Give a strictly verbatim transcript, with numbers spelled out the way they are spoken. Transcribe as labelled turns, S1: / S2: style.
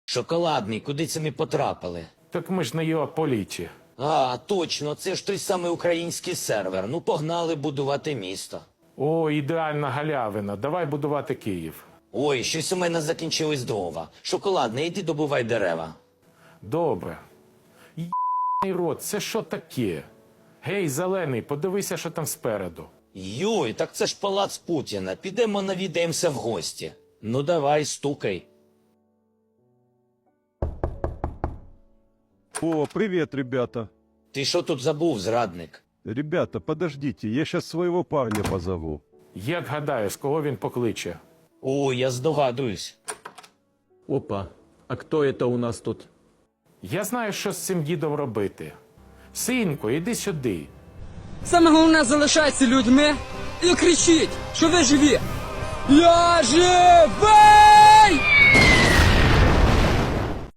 S1: Шоколадний, куди це ми потрапили?
S2: Так ми ж на його політі.
S1: А, точно, це ж той самий український сервер. Ну, погнали будувати місто.
S2: О, ідеальна галявина. Давай будувати Київ.
S1: Ой, щось у мене закінчились дрова. Шоколадний, іди добувай дерева.
S2: Добре. Єбаний рот, це що таке? Гей, зелений, подивися, що там спереду.
S1: Йой, так це ж палац Путіна. Підемо навідаємося в гості. Ну давай, стукай.
S3: О, привет, ребята.
S1: Ти що тут забув, зрадник?
S3: Ребята, подождите, я сейчас своего парня позову.
S2: Як гадаєш, кого він покличе?
S1: О, я здогадуюсь.
S4: Опа, а кто это у нас тут?
S2: Я знаю, що з цим дідом робити. Синку, іди сюди.
S5: Саме головне, залишайтеся людьми і кричіть, що ви живі. Я живий!